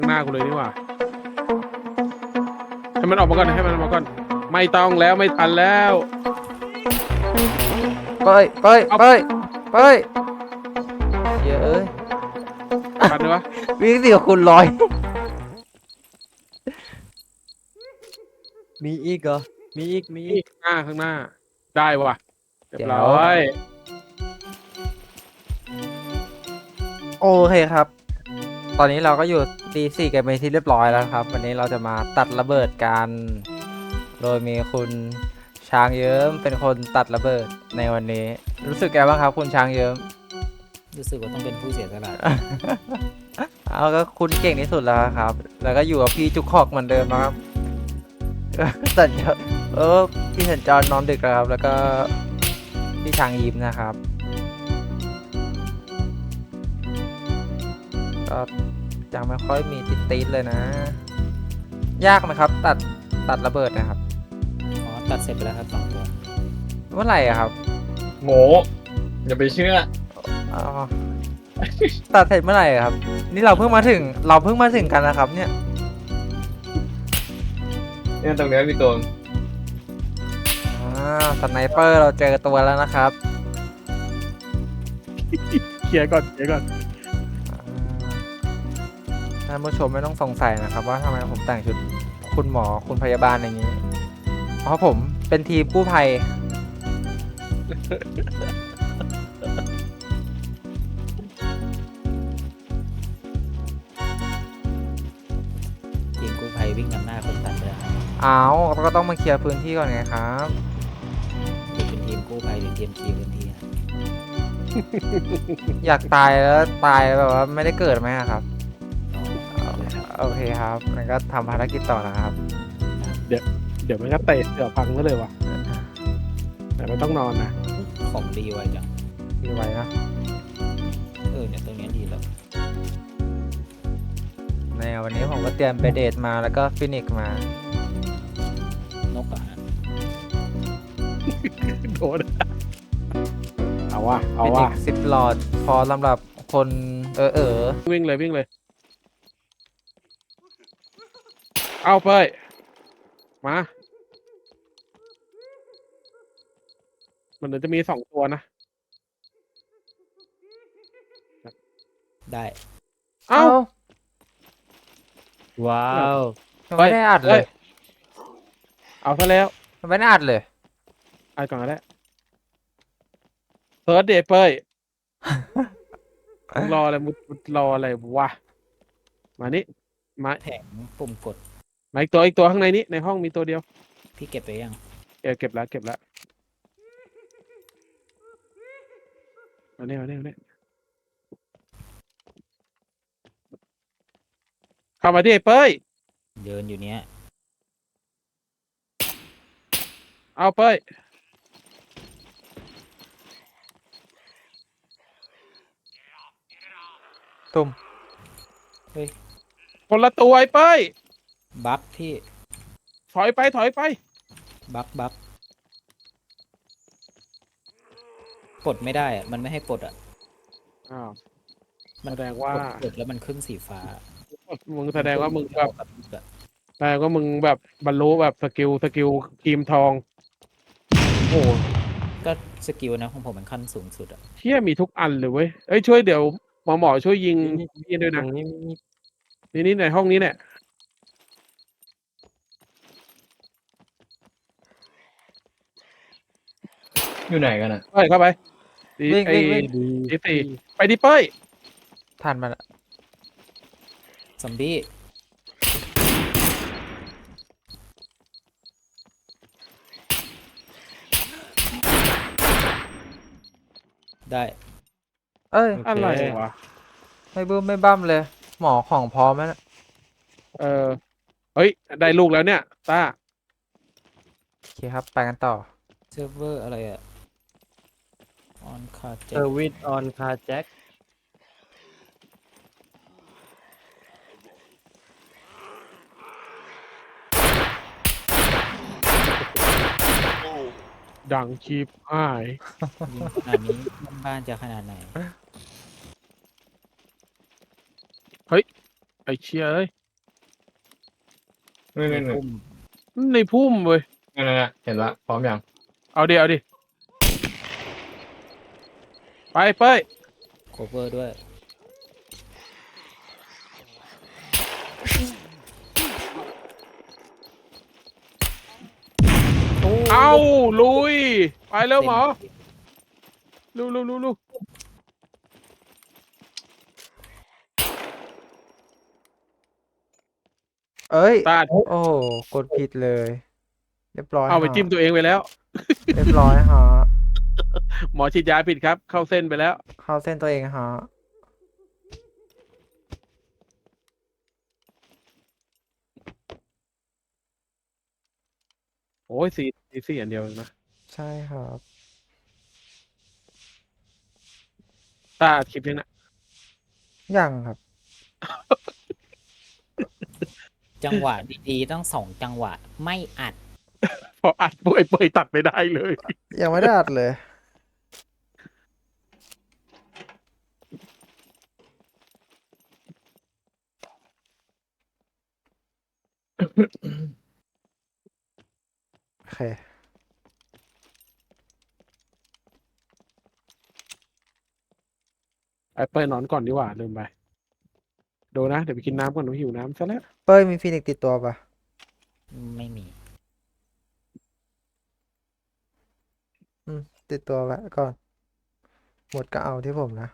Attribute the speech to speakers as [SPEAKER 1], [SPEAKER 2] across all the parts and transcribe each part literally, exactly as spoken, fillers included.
[SPEAKER 1] ข้างหน้ากูเลยนี่หว่าให้มันออกมาก่อนให้มันออกมาก่อนไม่ต้องแล้วไม่ทันแล้ว
[SPEAKER 2] เป้ยเป้ยเป้ยเป้ยเยอะเอ้ย
[SPEAKER 1] ทันเลยวะ
[SPEAKER 2] วิ่งสิกับคุณร้อย
[SPEAKER 3] มีอีกเหรอมีอีกมีอี
[SPEAKER 1] นี่
[SPEAKER 3] ก
[SPEAKER 1] ข้างหน้าข้างหน้าได้ว่ะเรียบ
[SPEAKER 2] เดี๋
[SPEAKER 1] ร้
[SPEAKER 2] ยว
[SPEAKER 1] อย
[SPEAKER 2] โอเคครับ ตอนนี้เราก็อยู่ตีสี่กันไปนที่เรียบร้อยแล้วครับ วันนี้เราจะมาตัดระเบิดกัน โดยมีคุณช้างเยิ้มเป็นคนตัดระเบิดในวันนี้ รู้สึกไงบ้างครับ คุณช้างเยิ้ม
[SPEAKER 4] รู้สึกว่าต้องเป็นผู้เสียสละ
[SPEAKER 2] เอาก็คุณเก่งที่สุดแล้วครับ แล้วก็อยู่กับพี่จุกคอกเหมือนเดิมนะครับ สัญจรเออพี่สัญจรนอนดึกแล้วครับ แล้วก็พี่ช้างยิ้มนะครับก็ยังไม่ค่อยมีติดติดเลยนะ ยากไหมครับ ตัดตัดระเบิดนะครับ
[SPEAKER 4] อ๋อตัดเสร็จไปแล้วครับสองตัว
[SPEAKER 2] เมื่อไหร่อะครับ
[SPEAKER 3] โง่อย่าไปเชื่อ
[SPEAKER 2] อ๋อตัดเสร็จเมื่อไหร่อะครับ นี่เราเพิ่งมาถึง เราเพิ่งมาถึงกันนะครับ เนี่ย
[SPEAKER 3] เนี่ยตรงนี้มีตัว
[SPEAKER 2] อ่าสไนเปอร์เราเจอตัวแล้วนะครับ
[SPEAKER 1] เคลียร์ก่อนเคลียร์ก่อน
[SPEAKER 2] อ่าท่านผู้ชมไม่ต้องสงสัยนะครับว่าทำไมผมแต่งชุดคุณหมอคุณพยาบาลอย่างนี้ เพราะผมเป็นทีมกู้ภัย
[SPEAKER 4] ทีมกู้ภัยวิ่งนำหน้าคนตัดไปแล้วครับ
[SPEAKER 2] เอาก็ต้องมาเคลียร์พื้นที่ก่อนไงครับ
[SPEAKER 4] คือเป็นทีมกู้ภัยหรือทีมเคลียร์พื้นที่ครับ
[SPEAKER 2] อยากตายแล้วตายแบบว่าไม่ได้เกิดไหมอะครับ
[SPEAKER 4] อ๋อครับ
[SPEAKER 2] โอเคครับงั้นก็ทำภารกิจต่อนะครับ
[SPEAKER 1] เดี๋ยวมันก็เตะเดี๋ยวพังก็เลยว่ะแต่ไม่ต้องนอนนะ
[SPEAKER 4] ของดีไว้จัง
[SPEAKER 2] มีไว้นะ
[SPEAKER 4] เออเนี่ยตรงเนี้ยดีแล้ว
[SPEAKER 2] ในวันนี้ผมก็เตรียมเบเดตมาแล้วก็ฟินิกซ์มาน
[SPEAKER 4] กอะฮะ
[SPEAKER 1] โดนเอาว่ะเอา
[SPEAKER 2] ฟินิ
[SPEAKER 1] ว่ะ
[SPEAKER 2] กซ์สิบหลอดพอสำหรับคนเออเออ
[SPEAKER 1] วิ่งเลยวิ่งเลยเอาเป้ยมามันเดี๋ยวจะมีสองตัวนะ
[SPEAKER 4] ได้
[SPEAKER 1] เอ้า
[SPEAKER 3] ว้าว
[SPEAKER 2] มันไม่ได้อัดเลย
[SPEAKER 1] เอาซะแล้ว
[SPEAKER 2] มันไม่ได้อัดเลย
[SPEAKER 1] อัดก่อนก็ได้เฟิร์สเดย์เป้ย มึงรออะไรมึงมึงรออะไรวะมานี่มา
[SPEAKER 4] แผงปุ่มกด
[SPEAKER 1] มาอีกตัวอีกตัวข้างในนี้ในห้องมีตัวเดียว
[SPEAKER 4] พี่เก็บไปยัง
[SPEAKER 1] เออเก็บแล้วเก็บแล้วมาเนี่ยมาเนี่ยมาเนี่ยเข้ามาที่ไอ้เป้ย
[SPEAKER 4] เดินอยู่เนี้ย
[SPEAKER 1] เอาเป้ย
[SPEAKER 2] ตุ่ม
[SPEAKER 1] คนละตัวไอ้เป้ย
[SPEAKER 4] บักพี่
[SPEAKER 1] ถอยไปถอยไป
[SPEAKER 4] บักบักปลดไม่ได้อะมันไม่ให้ปลดอะ
[SPEAKER 1] อ้าว
[SPEAKER 4] มัน
[SPEAKER 1] แสดงว่า
[SPEAKER 4] กดเปิดแล้วมันขึ้นสีฟ้า
[SPEAKER 1] มึงแสดงว่ามึงแบบ
[SPEAKER 4] กับลูกอะ
[SPEAKER 1] แสดงว่ามึงแบบบรรลุแบบสกิลสกิลครีมทองโอ้โห
[SPEAKER 4] ก็สกิลนะของผมมันขั้นสูงสุดอะ
[SPEAKER 1] เที่ยมีทุกอันเลยเว้ยเอ้ยช่วยเดี๋ยวหมอหมอช่วยยิงพี่ด้วย
[SPEAKER 3] ตร
[SPEAKER 1] นะ
[SPEAKER 3] งนี้มี
[SPEAKER 1] นี่นี่ในห้องนี้เนี่ย
[SPEAKER 3] อยู่ไหนกันอ่ะ
[SPEAKER 1] เป้ยเข้าไปดี
[SPEAKER 2] วิ่ง
[SPEAKER 1] ไอ้
[SPEAKER 2] วิ่งวิ่ง
[SPEAKER 1] ดีสี่ไปดิเป้ย
[SPEAKER 2] ทันมาละ
[SPEAKER 4] ซอมบี้ได้
[SPEAKER 2] เอ้ย
[SPEAKER 1] อะไรวะ
[SPEAKER 2] ไม่บึ้มไม่บั้มเลย หมอของพร้อมแล้วนะ
[SPEAKER 1] เออเฮ้ยได้ลูกแล้วเนี่ยต้า
[SPEAKER 2] โอเคครับ ไปกันต่อ
[SPEAKER 4] เซิร์ฟเวอร์อะไรอะออนคาเจ็
[SPEAKER 3] เซอร์วิสออนคาแจ็ค
[SPEAKER 1] ดังชีพหาย
[SPEAKER 4] ยิงขนาดนี้บ้านๆจะขนาดไหน
[SPEAKER 1] ไอ้อ้เชี่ยเอ้ย
[SPEAKER 3] นี่
[SPEAKER 4] ใน
[SPEAKER 3] นี่นี่
[SPEAKER 4] พุ่ม
[SPEAKER 1] ในพุ่มเว้ย
[SPEAKER 3] นั่นนั่นนั่นเห็นละพร้อมยัง
[SPEAKER 1] เอาดิเอาดิไปเป้ย
[SPEAKER 4] โคเวอร์ด้วย โอ้
[SPEAKER 1] เอาลุยไปเร็วหมอ
[SPEAKER 4] เต็ม
[SPEAKER 1] ลุลุลุลุ
[SPEAKER 2] เอ้ย
[SPEAKER 1] ตาด
[SPEAKER 2] โอ้โหกดผิดเลย เรียบร้อย
[SPEAKER 1] เอาไป
[SPEAKER 2] ฮะ
[SPEAKER 1] จิ้มตัวเองไปแล้ว
[SPEAKER 2] เรียบร้อยฮะ
[SPEAKER 1] หมอฉีดยาผิดครับ เข้าเส้นไปแล้ว
[SPEAKER 2] เข้าเส้นตัวเองฮะ
[SPEAKER 1] โอ้ยสี่สี่สี่อันเดียวเองนะ
[SPEAKER 2] ใช่ครับ
[SPEAKER 1] ตาคลิปนี้นะ
[SPEAKER 2] ยังครับ
[SPEAKER 4] จังหวะดีๆต้องสองจังหวะไม่อัด
[SPEAKER 1] พออัดป่วยเปยตัดไม่ได้เลย
[SPEAKER 2] ยังไม่ได้อัดเลย โอเค
[SPEAKER 1] ไอ้เป้ยนอนก่อนดีกว่าลืมไปดูนะ เดี๋ยวไปกินน้ำก่อนหนูหิวน้ำซะแล้ว
[SPEAKER 2] เป้ยมีฟีนิกซ์ติดตัวปะ
[SPEAKER 4] ไม่มี
[SPEAKER 2] อืม ติดตัวไว้ก่อน หมดก็เอาที่ผมนะ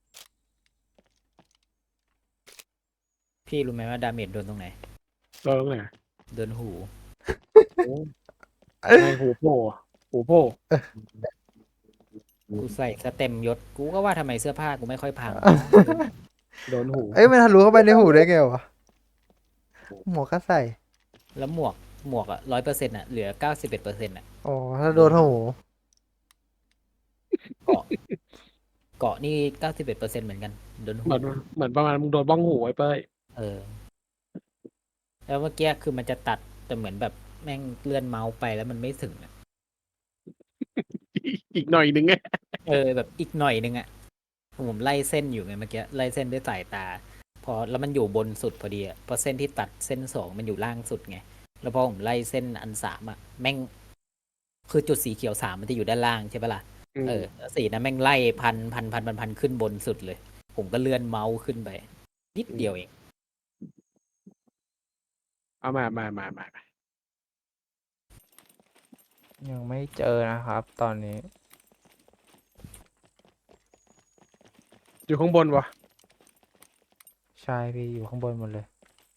[SPEAKER 4] พี่รู้ไหมว่าดาเมจโดนตรงไหน
[SPEAKER 1] เราตรงไหน
[SPEAKER 4] โดนหู
[SPEAKER 1] โอ้ไงหูโผล่หูโผล่
[SPEAKER 4] กูใส่สเต็มยศ กูก็ว่าทำไมเสื้อผ้ากูไม่ค่อยพัง
[SPEAKER 1] โดนหู
[SPEAKER 2] เอ้ยมันทะลุเข้าไปในหูได้ไงวะ หมวกก็ใส่
[SPEAKER 4] แล้วหมวกหมวกอะร้อยเปอร์เซ็นต์อะเหลือเก้าสิบเอ็ดเปอร์เซ็นต์อะ
[SPEAKER 2] อ๋อ ถ้าโดนหู
[SPEAKER 4] เกาะ เกาะนี่เก้าสิบเอ็ดเปอร์เซ็นต์เหมือนกันโดนหู
[SPEAKER 1] เหมือนเหมือนประมาณมึงโดนบ้องหูไอ้เป้ย
[SPEAKER 4] เออ แล้วเมื่อกี้คือมันจะตัดแต่เหมือนแบบแม่งเลื่อนเมาส์ไปแล้วมันไม่ถึงอะ
[SPEAKER 1] อีกหน่อยหนึ่งไง
[SPEAKER 4] เออแบบอีกหน่อยนึงอะผมไล่เส้นอยู่ไงเมื่อกี้ไล่เส้นด้วยสายตา พอแล้วมันอยู่บนสุดพอดีอะเพราะเส้นที่ตัดเส้นสองมันอยู่ล่างสุดไงแล้วพอผมไล่เส้นอันสามอะแม่ง คือจุดสีเขียวสามมันจะอยู่ด้านล่างใช่ปะล่ะ เออแล้วสีนั้นแม่งไล่พันพันพันพันพันขึ้นบนสุดเลย ผมก็เลื่อนเมาส์ขึ้นไป นิดเดียวเอง
[SPEAKER 1] เอามามามามามา
[SPEAKER 2] ยังไม่เจอนะครับ ตอนนี้
[SPEAKER 1] อยู่ข้างบนวะ
[SPEAKER 2] ใช่พี่อยู่ข้างบนหมดเลย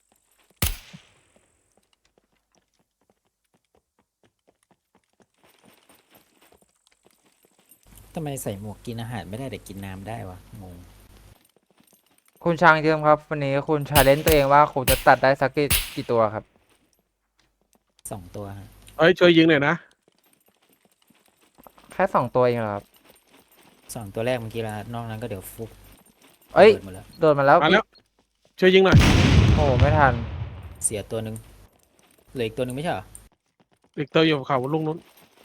[SPEAKER 4] ทำไมใส่หมวกกินอาหารไม่ได้แต่กินน้ำได้วะงง
[SPEAKER 2] คุณช้างเจิมครับ วันนี้คุณชาเลนจ์ตัวเองว่าคุณจะตัดได้สักกี่กี่ตัวครับ
[SPEAKER 4] สองตัวฮะ
[SPEAKER 1] เอ้ยช่วยยิงหน่อยนะ
[SPEAKER 2] แค่สองตัวเองเหรอครับ
[SPEAKER 4] สองตัวแรกเมื่อกี้ละนอกนั้นก็เดี๋ยวฟุบ
[SPEAKER 2] เอ้ย
[SPEAKER 4] ระบิดหมดแล้ว
[SPEAKER 2] โดนมาแล้ว
[SPEAKER 1] มาแล้ว ช่วยยิงหน่อย
[SPEAKER 2] โอ้โหไม่ทัน
[SPEAKER 4] เสียตัวหนึ่งเหลืออีกตัวหนึ่งไม่ใช่เหรอ
[SPEAKER 1] อีกตัวอยู่เขาลุงนู้น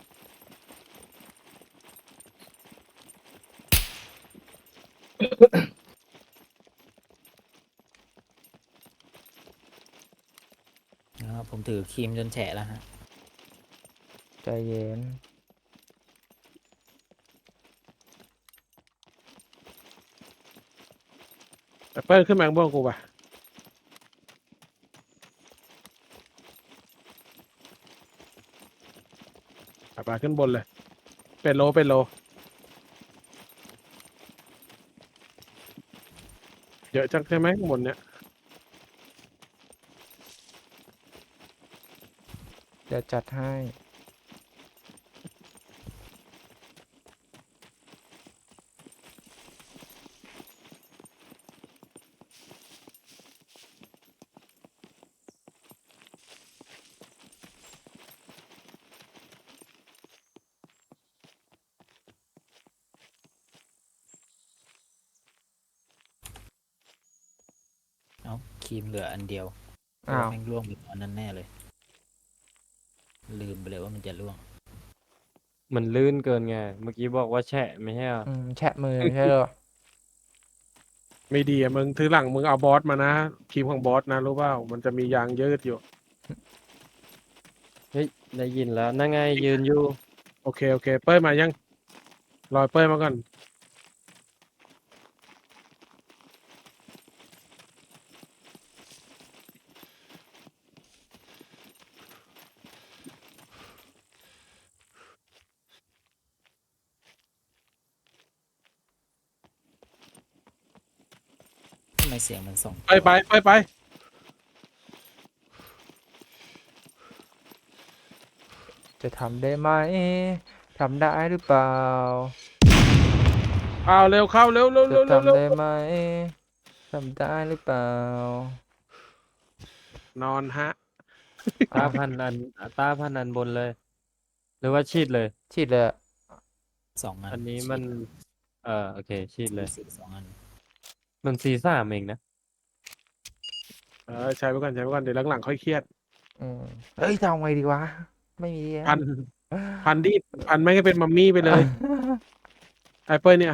[SPEAKER 4] อ่าผมถือครีมจนแฉะแล้วฮะ
[SPEAKER 2] ใจเย็น
[SPEAKER 1] ไอ้เป้ยขึ้นมาข้างบนกูป่ะไปไปขึ้นบนเลย เป็นโลเป็นโลเยอะจังใช่ไหมข้างบนเนี้ย
[SPEAKER 2] เดี๋ยวจัดให้
[SPEAKER 4] เอ้าครีมเหลืออันเดียว
[SPEAKER 2] อ้าว
[SPEAKER 4] แม่งร่วงไปตอนนั้นแน่เลย ลืมไปเลยว่ามันจะร่วง
[SPEAKER 5] มันลื่นเกินไง เมื่อกี้บอกว่าแฉะไม่ใช่เหรอ
[SPEAKER 2] อืมแฉะมือไม่ใช่เหรอ
[SPEAKER 1] ไม่ดีอะมึงทีหลังมึงเอาบอสมานะครีมของบอสนะรู้เปล่ามันจะมียางยืดอยู่
[SPEAKER 5] เฮ้ยได้ยินแล้วนั่งไงยืนอยู่
[SPEAKER 1] โอเคโอเคเป้ยมายังรอยเป้ยมาก่อน
[SPEAKER 4] ทำไมเสียงมันส่ง
[SPEAKER 1] ไปไปไปไป
[SPEAKER 2] จะทำได้ไหมทำได้หรือเปล่า
[SPEAKER 1] เอาเร็วเข้าเร็วเร็ว
[SPEAKER 2] จะ
[SPEAKER 1] เร็วเร็ว
[SPEAKER 2] ทำ
[SPEAKER 1] เร็ว
[SPEAKER 2] ได้ไหมทำได้หรือเปล่า
[SPEAKER 1] นอนฮะ
[SPEAKER 5] ตาพันอันตาพันอันบนเลย หรือว่าชีดเลย
[SPEAKER 2] ฉีดเลยอะ
[SPEAKER 4] สองอัน
[SPEAKER 5] อันนี้มัน เออโอเคชีดเลย
[SPEAKER 4] สี่สองอัน
[SPEAKER 5] มันซีซ่ามเองนะ
[SPEAKER 1] เออใช้ไปก่อนใช้ไปก่อนเดี๋ยวหลังๆค่อยเครียด
[SPEAKER 2] อืมเอ้ยจะเอาไงดีวะ ไม่มีอะ
[SPEAKER 1] พันพันดิพันไม่ให้เป็นมัมมี่ไปเลยไอ้เป้ยเนี่ย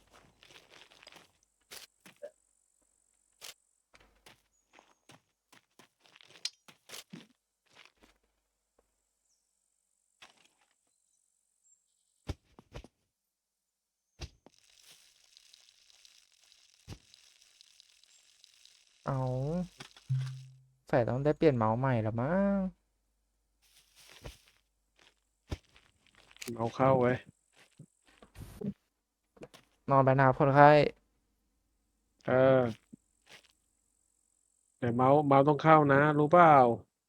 [SPEAKER 2] เอาใส่ต้องได้เปลี่ยนเมาส์ใหม่แล้วมั้ง
[SPEAKER 1] เอาเข้าไว้
[SPEAKER 2] นอนไปนะครับคนไข้
[SPEAKER 1] เออแต่เมาส์เมาส์ต้องเข้านะ รู้เปล่า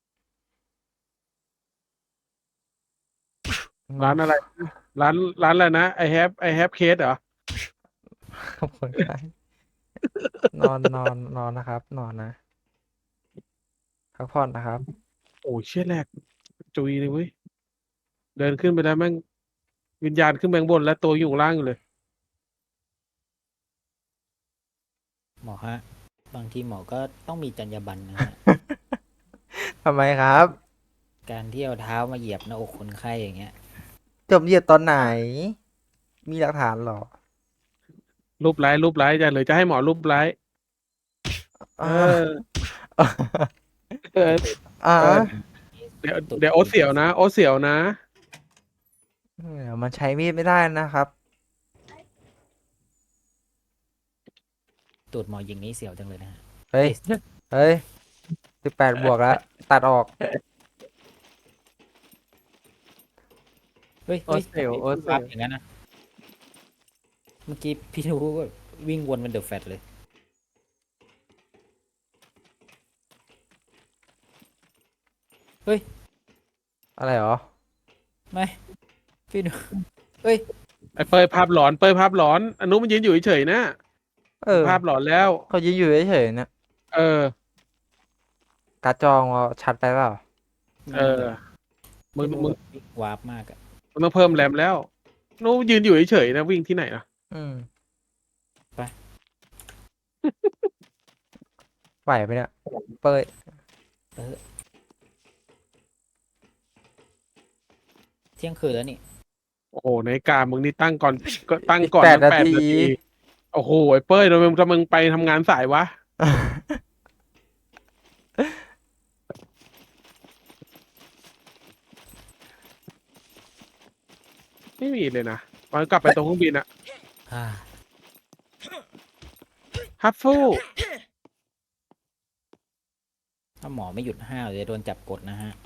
[SPEAKER 1] ร้านอะไรร้านร้านอะไรนะไอแฮปไอแฮปเคสเหรอ
[SPEAKER 2] คนไข้นอนนอนนอนนะครับ นอนนะพักผ่อนนะครับ
[SPEAKER 1] โอ้ยเชี่ยแรกจุยเลยเว้ยเดินขึ้นไปแล้วแม่งวิญญาณขึ้นไปข้างบนแล้วตัวอยู่ข้างล่างอยู่เลย
[SPEAKER 4] หมอฮะ บางทีหมอก็ต้องมีจรรยาบรรณนะฮะ
[SPEAKER 2] ทำไมครับ
[SPEAKER 4] การที่เอาเท้ามาเหยียบหน้าอกคนไข้อย่างเงี้ย
[SPEAKER 2] จบเหยียดตอนไหน มีหลักฐานเหรอ
[SPEAKER 1] รูปไลค์รูปไลค์จะหรือจะให้หมอรูปไลค์เออเออ
[SPEAKER 2] อ่า
[SPEAKER 1] เออ เดี๋ยวเดี๋ยวโอตเสียวนะโอตเสียวนะ
[SPEAKER 2] เดี๋ยวมันใช้มีดไม่ได้นะครับ
[SPEAKER 4] ตูดหมอยิงนี้เสียวจังเลยนะฮะ
[SPEAKER 2] เฮ้ย เฮ้ยสิบแปดบวกแล้ว ตัดออก
[SPEAKER 4] เฮ้ย
[SPEAKER 5] โอ
[SPEAKER 4] ฮ้ย
[SPEAKER 5] เซลโอเซล
[SPEAKER 4] ปั๊บอย่างนั้นนะเมื่อกี้พี่รู้ว่าวิ่งวนเป็นเดอะแฟตเลย เฮ้ย
[SPEAKER 2] อะไรหรอ
[SPEAKER 4] ไม่พี่ดูเฮ้ย
[SPEAKER 1] ไอ้เปยภาพหลอนเปยภาพหลอนอนุมันยืนอยู่เฉยๆนะ
[SPEAKER 2] เออ
[SPEAKER 1] ภาพหลอนแล้ว
[SPEAKER 2] เขายืนอยู่เฉยๆเนี่ย
[SPEAKER 1] เออ
[SPEAKER 2] การ์ดจอว่าชัดไปเปล่า
[SPEAKER 1] เออ มึงมึง
[SPEAKER 4] วาร์ปมากอะ
[SPEAKER 1] มึงต้องเพิ่มแรมแล้วอนุยืนอยู่เฉยๆนะวิ่งที่ไหนนะ
[SPEAKER 2] อืม
[SPEAKER 4] ไป
[SPEAKER 2] ไหวไปเนี่ย เป้ย
[SPEAKER 4] เที่ยงคืนแล้วนี่
[SPEAKER 1] โอ้โหในกามึงนี่ตั้งก่อนก็ตั้ง
[SPEAKER 2] อีก
[SPEAKER 1] ก่อน
[SPEAKER 2] แปด
[SPEAKER 1] ตั้ง
[SPEAKER 2] นา
[SPEAKER 1] แปด
[SPEAKER 2] ที
[SPEAKER 1] นาทีโอ้โหไอ้เป้ยทำไมทำไมมึงไปทำงานสายวะ ไม่มีเลยนะตอนกลับไปตรงเครื่องบินอะ
[SPEAKER 4] อ่า
[SPEAKER 1] ฮัฟฟู
[SPEAKER 4] ถ้าหมอไม่หยุดห้าวเดี๋ยวโดนจับกดนะฮะ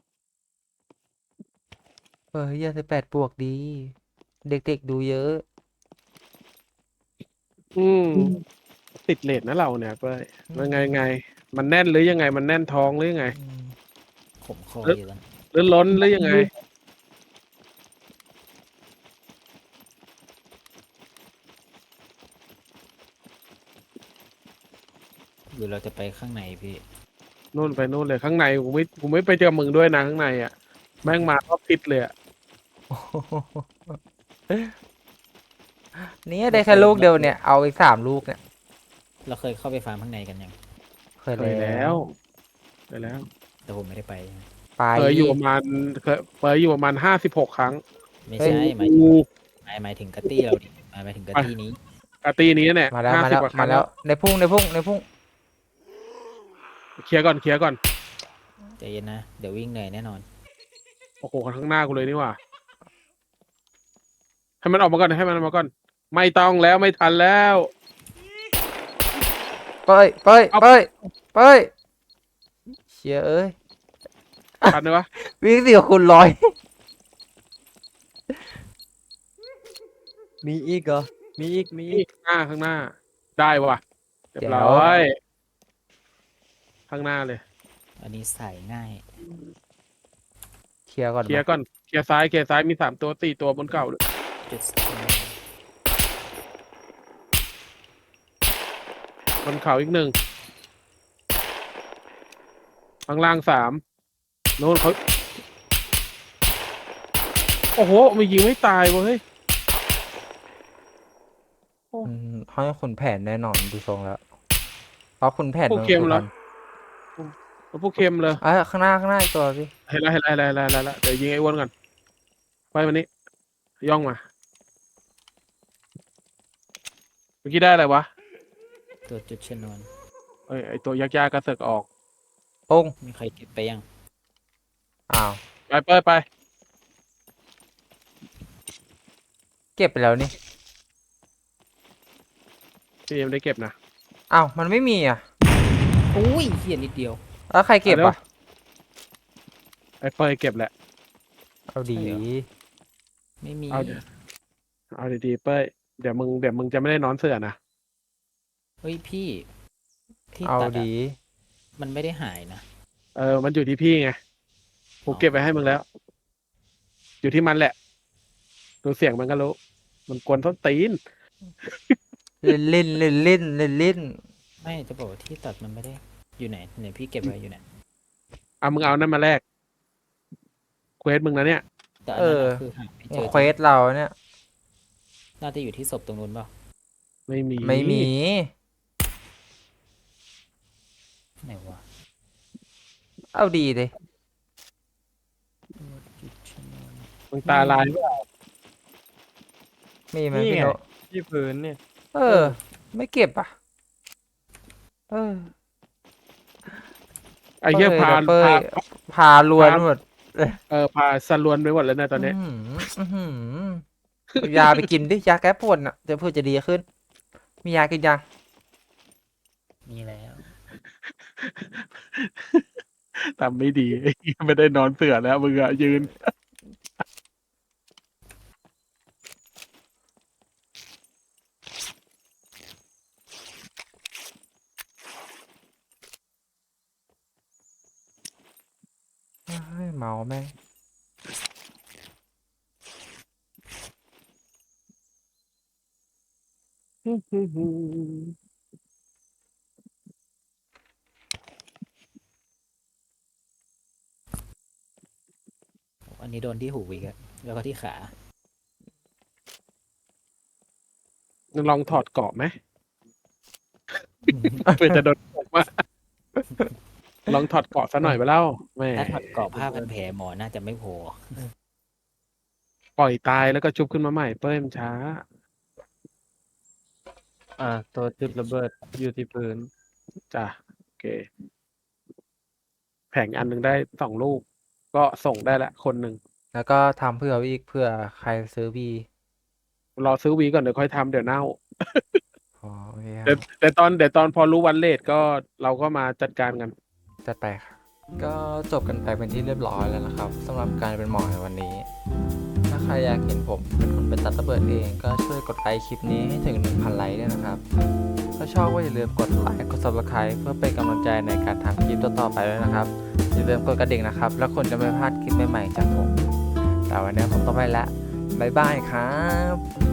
[SPEAKER 2] เออยี่สิบแปดบวกดี เด็กๆดูเยอะ
[SPEAKER 1] อืมติดเลทนะเราเนี่ยเป้ยมันไงไง มันแน่นหรือยังไง มันแน่นท้องหรือยังไง
[SPEAKER 2] อืม
[SPEAKER 4] ขมคออยู่แล้ว
[SPEAKER 1] หรือล้นหรือยังไง
[SPEAKER 4] หรือเราจะไปข้างในพี่
[SPEAKER 1] นู่นไปนู่นเลยข้างในกูไม่กูไม่ไปเจอมึงด้วยนะข้างในอ่ะแม่งมาก็พิษเลยอ่ะ
[SPEAKER 2] เนี่ยได้แค่ลูกเดียวเนี่ย เอาอีกสามลูกเนี่ย
[SPEAKER 4] เราเคยเข้าไปฟาร์มข้างในกันยัง
[SPEAKER 2] เคย
[SPEAKER 1] เคยแล้วเคยแล้ว
[SPEAKER 4] แต่ผมไม่ได้ไป
[SPEAKER 2] ไป
[SPEAKER 1] เคยอยู่ประมาณเคยเคยอยู่ประมาณห้าสิบหกครั้ง
[SPEAKER 4] ไม่ใช่หมาย
[SPEAKER 1] กู
[SPEAKER 4] หมายหมายถึงกะตี้เราดิหมายหมายถึงกะตี้นี้
[SPEAKER 1] ไปอาตีนี้เนี่ย
[SPEAKER 2] มาแล้ว
[SPEAKER 1] ห้า
[SPEAKER 2] มา
[SPEAKER 1] สิบ
[SPEAKER 2] แล้ว
[SPEAKER 1] กว่าค
[SPEAKER 2] มา
[SPEAKER 1] รั้ง
[SPEAKER 2] แล้
[SPEAKER 1] แล้ว ว
[SPEAKER 2] ในพุ่งในพุ่งในพุ่ง
[SPEAKER 1] เคลียร์ก่อนเคลียร์ก่อน
[SPEAKER 4] ใจเย็นนะ เดี๋ยววิ่งเหนื่อยแน่นอน
[SPEAKER 1] โอ้โหข้างหน้ากูเลยนี่หว่าให้มันออกมาก่อนให้มันออกมาก่อน ไม่ต้องแล้วไม่ทันแล้ว
[SPEAKER 2] เป้ยเป้ย
[SPEAKER 1] เอา
[SPEAKER 2] เป้ยเป้ยเชียเอ้ย
[SPEAKER 1] ทันไหมวะ
[SPEAKER 2] วิ่งสี่คูณร้อย
[SPEAKER 5] มีอีกเหรอมีอีกมีอี
[SPEAKER 1] นี่
[SPEAKER 5] ก
[SPEAKER 1] ข้างหน้าข้างหน้า ได้ว่ะเรียบ
[SPEAKER 2] เดี๋ยว
[SPEAKER 1] ร้อยข้างหน้าเลย
[SPEAKER 4] อันนี้ใส่ง่าย
[SPEAKER 2] เคลียร์ก่อน
[SPEAKER 1] เคลียร์
[SPEAKER 2] ไหม
[SPEAKER 1] ก่อนเคลียร์ซ้ายเคลียร์ซ้ายมีสามตัวสี่ตัวบนเก่าด้วย
[SPEAKER 4] จุด
[SPEAKER 1] บนเขาอีกหนึ่งข้างล่างสามโน้นเขาโอ้โหมันยิงไม่ตายเว้ย
[SPEAKER 2] อืมเขาให้ขุนแผนแน่นอนดูทรงแล้วเพราะขุนแผน
[SPEAKER 1] พวกเค็ม
[SPEAKER 2] สุ
[SPEAKER 1] เหร
[SPEAKER 2] พ
[SPEAKER 1] อ
[SPEAKER 2] รรณ
[SPEAKER 1] พวกเค็มเลย
[SPEAKER 2] อ่ะข้างหน้าข้างหน้าอีกตัวพี่
[SPEAKER 1] เห็นแล้วเห็นแล้วเห็นแล้วเห็นแล้วเห็นแล้วเดี๋ยวยิงไอ้อ้วนก่อนไปวันนี้ ย่องมาเมื่อกี้ได้อะไรวะ
[SPEAKER 4] ตัวจุดชนวน
[SPEAKER 1] เอ้ยไอ้ตัวยากๆกระเสือกออก
[SPEAKER 2] โป้ง
[SPEAKER 4] มีใครเก็บไปยัง
[SPEAKER 2] อ้าว
[SPEAKER 1] ไปเป้ยไป
[SPEAKER 2] เก็บไปแล้วนี่
[SPEAKER 1] พี่ยังไม่ได้เก็บนะ
[SPEAKER 2] อ้าวมันไม่มีอ่ะ
[SPEAKER 4] อุ้ยเฮียนิดเดียว
[SPEAKER 2] แล้วใครเก็บ
[SPEAKER 1] เอาเร็ว
[SPEAKER 2] อ่ะ
[SPEAKER 1] ไอ้เป้ยเก็บแหละ
[SPEAKER 2] เอาดี
[SPEAKER 4] ใช่เหรอ ไม่มี
[SPEAKER 1] เอาดิ เอาดีๆเป้ยเดี๋ยวมึงเดี๋ยวมึงจะไม่ได้นอนเสือนะ
[SPEAKER 4] เฮ้ยพี่ ที่
[SPEAKER 2] เอา
[SPEAKER 4] ตัดอะ
[SPEAKER 2] ดี
[SPEAKER 4] มันไม่ได้หายนะ
[SPEAKER 1] เออมันอยู่ที่พี่ไงผมเก็บไปให้มึงแล้ว อยู่ที่มันแหละดูเสียงมันก็รู้ มันกวนต้นตีน
[SPEAKER 2] เล่นเล่นเล่นเล่นเล่นเล่น
[SPEAKER 4] ไม่จะบอกว่าที่ตัดมันไม่ได้ อยู่ไหนไหนพี่เก็บไว้อยู่ไหน
[SPEAKER 1] เอามึงเอานั่นมาแลกเควสมึงนะเนี่ย
[SPEAKER 4] แต่อันนั้นอะคือหาไม่เจอ
[SPEAKER 2] เควสเราเนี่ย
[SPEAKER 4] น่าจะอยู่ที่ศพตรงนู้นเปล่า
[SPEAKER 1] ไม่มี
[SPEAKER 2] ไม่มี
[SPEAKER 4] ไหนวะ
[SPEAKER 2] เอาดีเลย
[SPEAKER 4] จุดชนวน
[SPEAKER 1] มึงตาลายปะ
[SPEAKER 2] มีไหม
[SPEAKER 5] นี่
[SPEAKER 2] พี่
[SPEAKER 5] ไง
[SPEAKER 2] โน
[SPEAKER 5] ที่พื้นเนี่ย
[SPEAKER 2] เออ ไม่เก็บอ่ะ เออ
[SPEAKER 1] ไอ้เหี้ย
[SPEAKER 2] เป้ย
[SPEAKER 1] พา
[SPEAKER 2] เป้ย
[SPEAKER 1] พา
[SPEAKER 2] พาลวน
[SPEAKER 1] พา
[SPEAKER 2] หมด
[SPEAKER 1] เออพาสลวนไปหมดแล้วเนะตอนนี้
[SPEAKER 2] อื้อหืออื้อหือเอายาไปกินดิยาแก้ปวดอ่ะเดี๋ยวเพื่อจะดีขึ้น มียากินยัง
[SPEAKER 4] มีแล้ว
[SPEAKER 1] ทำไม่ดี ไม่ได้นอนเสือแล้วมึงอะยืน
[SPEAKER 2] เฮ้ยเมาแม่ง
[SPEAKER 4] อันนี้โดนที่หูอีกอะแล้วก็ที่ขา
[SPEAKER 1] มึงลองถอดเกราะไหม เพื่อจะโดนตกมาลองถอดเกราะซะหน่อยไปเล่าแหม่
[SPEAKER 4] ถ้าถอดกรอบผ้าพันแผลหมอน่าจะไม่พอ
[SPEAKER 1] ปล่อยตายแล้วก็ชุบขึ้นมาใหม่เป้ยมันช้า
[SPEAKER 5] อ่าตัวจุดระเบิดอยู่ที่พื้น
[SPEAKER 1] จ้ะโอเค แผงอันหนึ่งได้สองลูก ก็ส่งได้ละคนหนึ่ง
[SPEAKER 2] แล้วก็ทำเพื่ออีกเพื่อใครซื้อบี
[SPEAKER 1] รอซื้อวีก่อนเดี๋ยวค่อยทำเดี๋ยวเน่า
[SPEAKER 2] อ๋อโอเคค
[SPEAKER 1] แต่
[SPEAKER 2] รับ
[SPEAKER 1] แต่ตอนเดี๋ยวตอนพอรู้วันเลทก็เราก็มาจัดการกัน
[SPEAKER 2] จัดไปครับ ก็จบกันไปเป็นที่เรียบร้อยแล้วนะครับสำหรับการเป็นหมอในวันนี้ ถ้าใครอยากเห็นผมเป็นคนไปตัดระเบิดเองก็ช่วยกดไลค์คลิปนี้ให้ถึง หนึ่งพัน ไลค์ด้วยนะครับ ถ้าชอบก็อย่าลืมกดไลค์กด ซับสไครบ์ เพื่อเป็นกำลังใจในการทำคลิปต่อๆไปด้วยนะครับ อย่าลืมกดกระดิ่งนะครับ แล้วคุณจะไม่พลาดคลิปใหม่ๆจากผม แต่วันนี้ผมต้องไปละบ๊ายบายครับ